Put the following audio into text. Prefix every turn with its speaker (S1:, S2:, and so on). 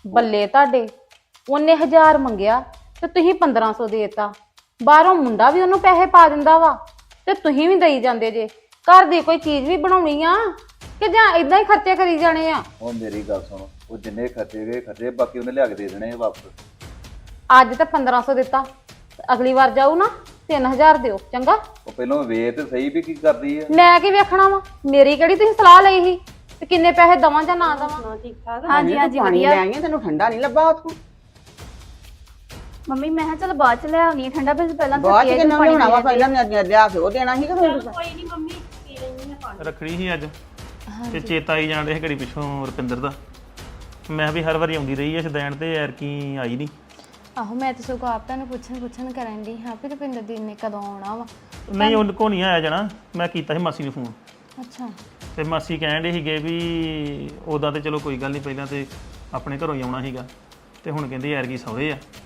S1: ਬੱਲੇ ਤੁਹਾਡੇ ਉਹਨੇ 1000 ਮੰਗਿਆ ਤੇ ਤੁਸੀਂ 1500 ਦੇਤਾ। ਬਾਹਰੋਂ ਮੁੰਡਾ ਵੀ ਉਹਨੂੰ ਪੈਸੇ ਪਾ ਦਿੰਦਾ ਵਾ ਤੇ ਤੁਸੀਂ ਵੀ ਦੇਈ ਜਾਂਦੇ ਜੇ। ਘਰ ਦੀ ਕੋਈ ਚੀਜ਼ ਵੀ ਬਣਾਉਣੀ ਆ ਕਿ ਜਾਂ ਇਦਾਂ ਹੀ ਖਰਚੇ ਕਰੀ ਜਾਣੇ ਆ?
S2: ਉਹ ਮੇਰੀ ਗੱਲ ਸੁਣ, ਉਹ ਜਿੰਨੇ ਖਰਚੇ ਗਏ ਖਰਚੇ, ਬਾਕੀ ਉਹਨੇ ਲਿਆ ਕੇ ਦੇ ਦੇਣੇ ਆ ਵਾਪਸ।
S1: ਅੱਜ ਤਾਂ 1500 ਦਿੱਤਾ, ਅਗਲੀ ਵਾਰ ਜਾਊ ਨਾ 3000 ਦਿਓ ਚੰਗਾ।
S2: ਉਹ ਪਹਿਲਾਂ ਵੇਖ ਤੇ ਸਹੀ ਵੀ ਕੀ ਕਰਦੀ ਆ।
S1: ਮੈਂ ਕੀ ਵੇਖਣਾ ਵਾ? ਮੇਰੀ ਕਿਹੜੀ ਤੁਸੀਂ ਸਲਾਹ ਲਈ ਸੀ ਤੇ ਕਿੰਨੇ ਪੈਸੇ ਦਵਾਂ ਜਾਂ ਨਾ ਦਵਾਂ?
S3: ਠੀਕ ਠਾਕ।
S4: ਹਾਂਜੀ ਹਾਂਜੀ
S5: ਪਾਣੀ
S4: ਵਧੀਆ।
S5: ਲੈ ਆਈਆਂ, ਤੈਨੂੰ ਠੰਡਾ ਨਹੀਂ ਲੱਭਾ ਉੱਥੋਂ?
S4: ਮੰਮੀ ਮੈਂ ਕਿਹਾ ਚਲ ਬਾਅਦ ਚ ਲੈ ਆਉਣੀ ਠੰਡਾ, ਫਿਰ ਪਹਿਲਾਂ
S5: ਬਾਅਦ ਚ
S4: ਪੀਏ
S5: ਕਿੰਨਾ
S4: ਪਾਣੀ
S5: ਲਿਆਉਣਾ ਵਾ?
S4: ਪੀਏ।
S5: ਪਹਿਲਾਂ ਲਿਆ ਕੇ ਉਹ ਦੇਣਾ ਸੀ ਕਿ ਫਿਰ
S3: ਕੋਈ ਨਹੀਂ ਮੰਮੀ ਪੀ ਲੈਣੀ ਆ ਪਾਣੀ।
S6: ਰੱਖੜੀ ਸੀ ਅੱਜ ਤੇ ਚੇਤਾ ਆਈ ਜਾਣ ਡਿਆ ਘੜੀ ਪਿੱਛੋਂ ਰੁਪਿੰਦਰ ਦਾ। ਮੈਂ ਵੀ ਹਰ ਵਾਰੀ ਆਉਂਦੀ ਰਹੀ ਐ ਸ਼ਦੈਣ ਤੇ ਐਰਕੀ ਆਈ ਨਹੀਂ।
S7: ਆਹੋ ਮੈਂ ਤਾਂ ਸਗੋਂ ਆਪ ਤੁਹਾਨੂੰ ਪੁੱਛਣ ਕਰਨ ਦੀ ਹਾਂ ਵੀ ਰੁਪਿੰਦਰ ਦੀ ਨੇ ਕਦੋਂ ਆਉਣਾ ਵਾ।
S6: ਨਹੀਂ ਉਹ ਕੋ ਨਹੀਂ ਆਇਆ ਜਾਣਾ, ਮੈਂ ਕੀਤਾ ਸੀ ਮਾਸੀ ਨੂੰ ਫੋਨ
S7: ਅੱਛਾ
S6: ਤੇ ਮਾਸੀ ਕਹਿਣ ਡੇ ਸੀਗੇ ਵੀ ਉਹਦਾ ਤੇ ਚਲੋ ਕੋਈ ਗੱਲ ਨਹੀਂ, ਪਹਿਲਾਂ ਤੇ ਆਪਣੇ ਘਰੋਂ ਹੀ ਆਉਣਾ ਸੀਗਾ ਤੇ ਹੁਣ ਕਹਿੰਦੇ ਐਰਕੀ ਸਹੁਰੇ ਆ